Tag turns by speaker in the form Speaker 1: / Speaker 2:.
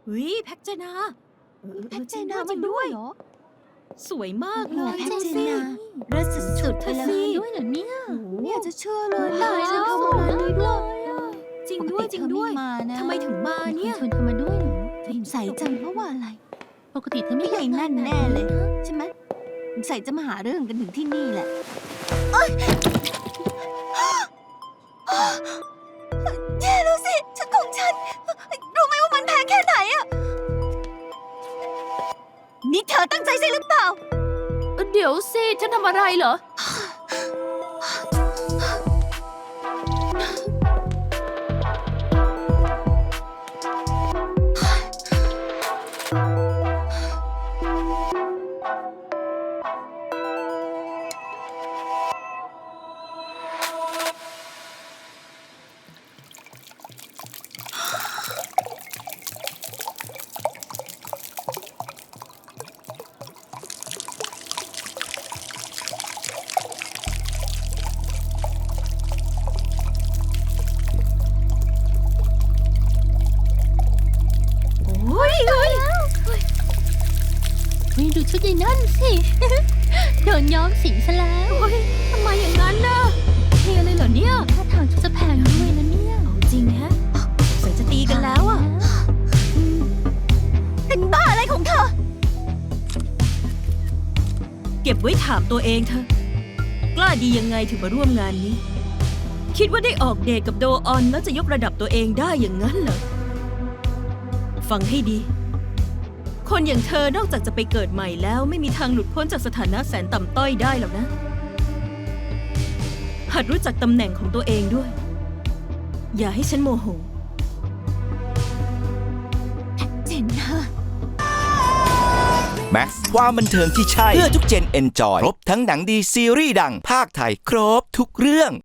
Speaker 1: ฮ้ยแพ็กเจนา
Speaker 2: แพ็กเจนามาด้วยเหรอ
Speaker 1: สวยมากเลย
Speaker 2: แพ็ก
Speaker 1: ดู
Speaker 2: เจ
Speaker 1: สิ
Speaker 2: นาเลิศสุดๆไปเลย
Speaker 3: ด้วยเหรอเนี่ย
Speaker 2: ไม่อยากจะเชื่อเลย
Speaker 3: ตายแล้ว
Speaker 2: เข้ามาวันนี้ด้วย
Speaker 1: จริงด้วยจริงด้วย
Speaker 2: ปกติเธอไม่มานะ
Speaker 1: ทำไมถึงมาเนี่ย
Speaker 3: ชวนเธอมาด้วยเหรอ
Speaker 2: ใส่จังเพราะว่าอะไร
Speaker 3: ปกติเธอไม่
Speaker 2: ไม่ใหญ่นั่นแน่เลย ใช่ไหมใส่จะมาหาเรื่องกันถึงที่นี่แหละแย่แล้วสิชุดของฉัน รู้ไหมว่ามันแพงแค่ไหนอะนี่เธอตั้งใจใช่หรือเปล่า
Speaker 3: เดี๋ยวสิฉันทำอะไรเหรอ
Speaker 1: โอ้ยเฮ้ย
Speaker 3: เฮ้ยดูชุดยายนั่นสิ โดนย้อมสีซะแล้ว
Speaker 1: โอ้ยทำไมอย่างนั้นน่ะเทเลยเหรอเนี่ย
Speaker 3: ท่าทางชุดจะแพงด้วยนะเนี่ย
Speaker 1: เอาจริงฮะสงสัยจะตีกันแล้วอ่ะ
Speaker 2: เป็นบ้าอะไรของเธอ
Speaker 1: เก็บไว้ถามตัวเองเถอะกล้าดียังไงถึงมาร่วมงานนี้ คิดว่าได้ออกเดทกับโดออนแล้วจะยกระดับตัวเองได้อย่างนั้นเหรอฟังให้ดี คนอย่างเธอนอกจากจะไปเกิดใหม่แล้วไม่มีทางหลุดพ้นจากสถานะแสนต่ำต้อยได้หรอกนะ หัดรู้จักตำแหน่งของตัวเองด้วย อย่าให้ฉันโมโห
Speaker 2: เจนน่า
Speaker 4: แม็กซ์ความบันเทิงที่ใช่ เพื่อทุกเจนเอนจอย ครบทั้งหนังดีซีรีส์ดังภาคไทย ครบทุกเรื่อง